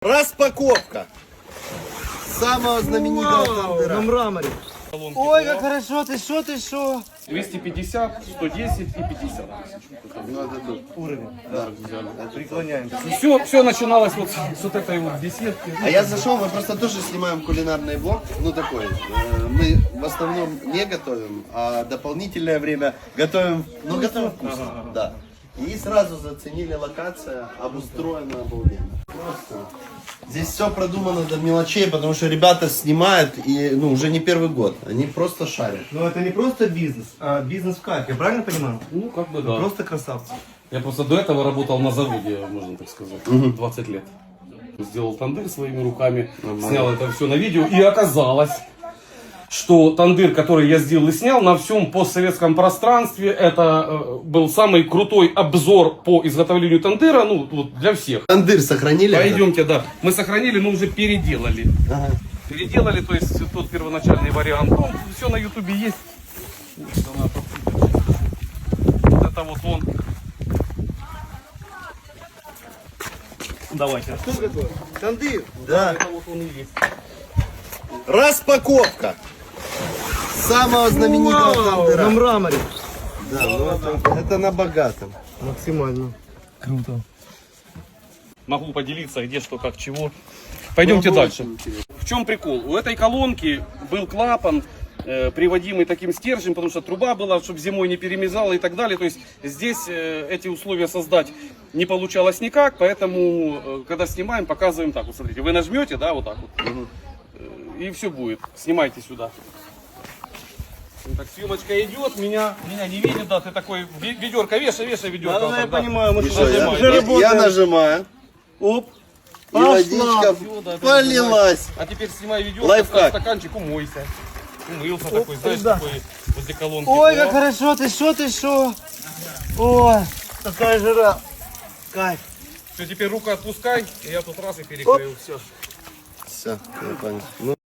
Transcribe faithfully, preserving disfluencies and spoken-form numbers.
Распаковка самого знаменитого тандыра. На мраморе. Ой, как хорошо, ты шо, ты шо? двести пятьдесят, сто десять и пятьдесят. Ну, это тут Уровень. да. Преклоняемся. Все, все начиналось вот с вот этой вот беседки. А я зашел, мы просто тоже снимаем кулинарный влог, ну такой. э, Мы в основном не готовим, а дополнительное время готовим, ну готовим вкусно, да. И сразу заценили локация, обустроена обалденно. Просто. Здесь все продумано до мелочей, потому что ребята снимают и ну уже не первый год, они просто шарят. Но это не просто бизнес, а бизнес в кайф, я правильно понимаю? Ну, как бы да. Просто красавцы. Я просто до этого работал на заводе, можно так сказать, двадцать лет. Сделал тандыр своими руками, снял это все на видео, и оказалось, что тандыр, который я сделал и снял, на всем постсоветском пространстве, это э, был самый крутой обзор по изготовлению тандыра, ну, вот для всех. Тандыр сохранили? Пойдемте, да. Мы сохранили, но уже переделали. Ага. Переделали, то есть тот первоначальный вариант. Ну, все на ютубе есть. Вот это вот он. Давайте. Что такое? Тандыр. Да. Это вот он и есть. Распаковка самого знаменитого тандыра. На мраморе. Да, ну это, это на богатом. Максимально. Круто. Могу поделиться, где что, как, чего. Пойдемте Ну, дальше. очень интересно. В чем прикол? У этой колонки был клапан, э, приводимый таким стержнем, потому что труба была, чтобы зимой не перемезала и так далее. То есть здесь э, эти условия создать не получалось никак, поэтому, э, когда снимаем, показываем так. Вот смотрите, вы нажмете, да, вот так вот, Мгм. и все будет. Снимайте сюда. Ну, так, съемочка идет, меня, меня не видит, да, ты такой, ве- ведерко, вешай, вешай ведерко. Да, вот да, я так, да. понимаю, мы И же что, я, уже я- работаем. я нажимаю, Оп. и водичка Всё, да, ты полилась. А теперь снимай ведерко, Лайфхак. ставь стаканчик, умойся. Умылся такой, знаешь, да. такой возле колонки. Ой, О, как хорошо, ты шо, ты шо? Ой, такая жара. Кайф. Все, теперь руку отпускай, и я тут раз и перекрыл. Все. Все, я понял. Ну,